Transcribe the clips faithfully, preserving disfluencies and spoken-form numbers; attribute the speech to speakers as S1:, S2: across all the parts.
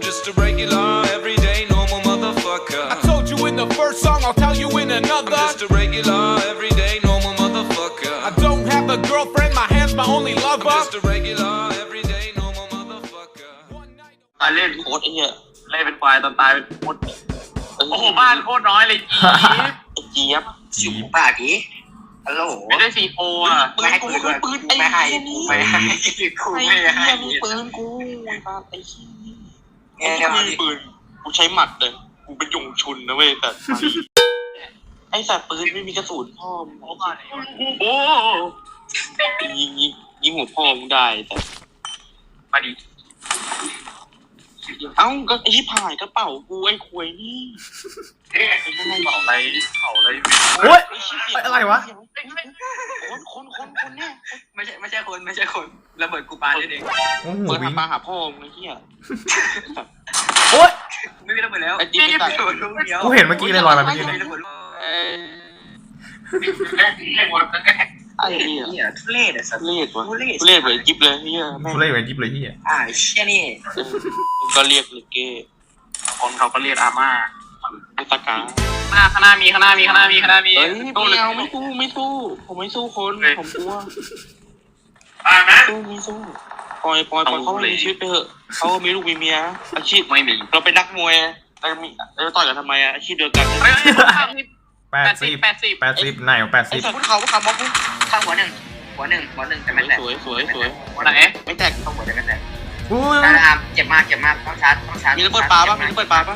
S1: just a regular, everyday, normal motherfucker.
S2: I told you in the first song, I'll tell you in another.
S1: I'm just a regular, everyday, normal motherfucker.
S2: I don't have a girlfriend, my hand's my only lover.
S1: I'm just a regular, everyday, normal motherfucker.
S3: ตายเล่นโคตรไอ้เหี้ยเล่นเป็นควายตอนตายเป็นโคตรโอ้โหบ้านโคตรน้อยเลยจี๊บไอ้เจี๊ยบอยู่ป่าผีฮัลโหลไม่ได้ซีโฟอ่ะปืนกูคือปืนไม่ให้ไม่ให้กูไม่ให้ปืนกูไอ้บ้าไอ้ขี้กูมีปืนกูใช้หมัดเลยกูเป็นยงชุนนะเว้ยแต่ไอ้สัตว์ปืนไม่มีกระสุนพ่อมโอ้ยิงยิงยิงหัวพ่อมึงได้แต่มาดิเอ้าก็ไอ้ที่ผ่ายกระเป๋ากูไอ้ควยนี่ไอ้ไม่เป๋าอะไรเป๋าอะไร
S4: โอ๊ยอะไรวะ
S3: คนคนคนคนเนี่ย
S5: ไม่ใช่ไม่ใช่คนไม่ใช่คนระเบิดกูปาได้เอง
S3: เปิดปาหาพ่อมึงไอ้เหี้ย
S4: โอ๊ย
S5: ไม่มีระเบิดแล้ว
S3: ไอ้จิ๊บตัด
S4: กูเห็นเมื่อกี้เลยลอยมาเมื่อกี้เลย
S3: ไอ้เหี้ย
S5: ทุเรศอ่ะสัตว์
S3: ทุเรศวะทุเรศเลยจิ๊บเลยเหี้ย
S4: ทุเรศเลยจิ๊บเลยเหี้ย
S5: อ่าเชี่ยนี่
S3: ก็เรียกเลยเก้
S5: คนเขาก็เรียกอาม่า
S3: ไอ้ตะกา
S5: หน้าข้างหน้ามีข้างหน้ามีข้างหน้ามีข้างหน้ามี
S3: เฮ้ยไม่เอาไม่สู้ไม่สู้ผมไม่สู้คนผมกลัวอ่านะสู้ไม่สู้ปล่อยปล่อยปล่อยเขามีชีวิตไปเถอะเขามีลูกมีเมียอาชีพ
S5: ไม่มี
S3: เราเป็นนักมวยเรามีเราต่อยกันทำไมอะอาชีพเดียวกัน
S4: แปดสิบแปดสิบแปดสิบไหนแปดสิบ
S3: พูดเขาพูดเขาบอกพูด
S5: ข้างหัวหนึ่งหัวหนึ่งหัวหนึ่งแต่ไม่แตก
S3: สวยสวยสวย
S5: หัวไหน
S3: ไม่แตก
S5: ข้างหัวแต่ไม่แตก
S4: อุ้ย
S5: เจ็บมากเจ็บมากต้องชาร์จต้องชาร์จ
S3: มีระเบิดปลาป่ะมีระเบิดปลาป่ะ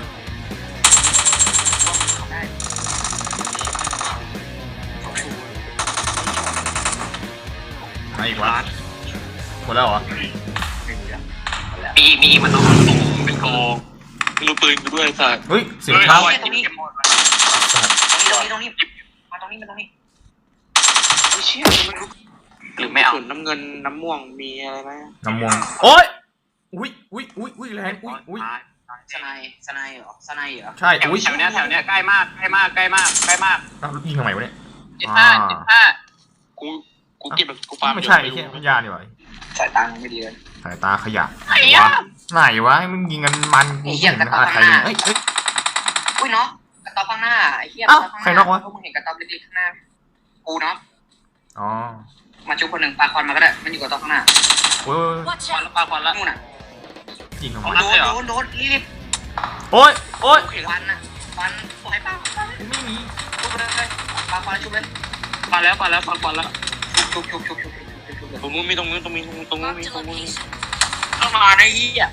S4: มาอีกวะหมดแล้วเหรอ
S5: มีมีมันต้องเป็นโก
S3: มีลูกปืนด้วยสัตว์
S4: เฮ้ยเสียงเท้า
S5: ตรงนี้ตรงนี้ตรงนี้มาตรงนี้มาตรงนี้
S3: ไม่เชื่อมัน
S5: หรือไม่เอา
S3: น้ำเงินน้ำม่วงมีอะไรไหม
S4: น้ำม่วงโอ๊ยอุ้ยอุ้ยอุ้ยอุ้ยแรงอุ้ยอุ้ย
S5: สไนสไนเหรอสไนเหรอ
S4: ใช่อุ้ย
S5: แถวเนี้ยแถวเนี้ยใกล้มากใกล้มากใกล้มากใกล้มาก
S4: ยิงทำไมวะเนี่ย
S5: เจ็ดห้าเจ็ดห้า
S3: กูกูเก็บแบบกูปา
S4: ไม่ใช่แค่พยาดีกว่า
S5: สายตาไม่ดีเลย
S4: สายตาขยะไหนวะไหนวะให้มึงยิงกันมันกูเห็นอะไรเฮ้ยเฮ้ย
S5: อุ้ยเนาะกระต๊อบข้างหน้าไอ้เหี้ย
S4: ใครนอกวะ
S5: พวกมึงเห็นกระต๊อบเล็กๆข้างหน้ากูเนาะ
S4: อ๋อ
S5: มาชุบคนหนึ่งปาควันมาก็ได้มันอยู่กระต๊อบข้างหน้า
S4: โอ้ย
S5: ควันปาควันละนู่นน่ะ
S4: ยิงออก
S5: มาโดนโดนโดนรีบ
S4: โอ๊ยโอ๊ย
S5: ควันน่ะควันปล่อยปา
S4: ไม่มี
S5: ชุบเลยปาควันชุบเลยปาแล้วปาแล้วปาควันแล้วชุบชุบชุบชุบชุบ
S3: ตรงนู้นมีตรงนู้นตรงนี้ตรงนู้นมีตรงนู้น
S5: ต้องมาในยี่อ่ะ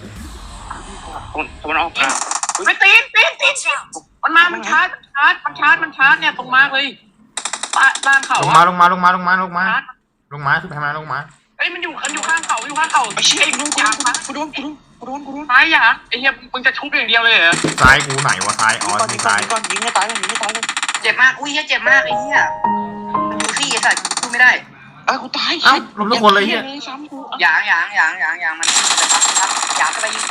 S3: ตะวันออกอ่ะ
S5: ไม่ตีนตีนตีนมันมามันชาร์จมันชาร์จมันชาร์จมันชาร์จเนี่ยตรงมาเลยบ้านเขา
S4: ลงมาลงมาลงมาลงมาลงมาลงมาทุกทางมาลงมา
S5: เอ้ยมันอยู่มันอยู่ข้างเขาอยู่ข้างเขา
S3: ไอ้เชี่ยกูกูกูโดนกูโดนกูโดนกูโดน
S5: ซ้ายอย่าไอ้เหี้ยมึงจะชุบอย่างเดียวเลยเหรอ
S4: ซ้ายกูไหนวะซ้ายอ๋อที่ซ้าย
S3: ก่อนยิงให้ตายยิงให้ตายเลย
S5: เจ็บมากอุ้ยเหี้ยเจ็บมากไอ้เหี้ยดูที่ไอ้สัตว์พูดไม่ได้
S3: เอ้ากูตาย
S4: เอ้าล้มทุกคนเลยเหี้ย
S5: ยางยางยางยางยางมันจะพักพักยางก็ไปยิง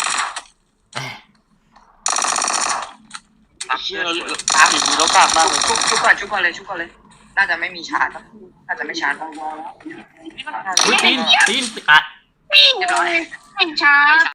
S3: เชี่ยเราตามอยู่เรากลับมา
S5: ชุบชุบก่อนชุบก่อนเลยชุบก่อนเลยน่าจะไม่มีชาร์จน่าจะไม่ชาร์จ
S4: อุ้ยตีนตีนอ่ะ
S5: เรียบร้อยไม่ชาร์จ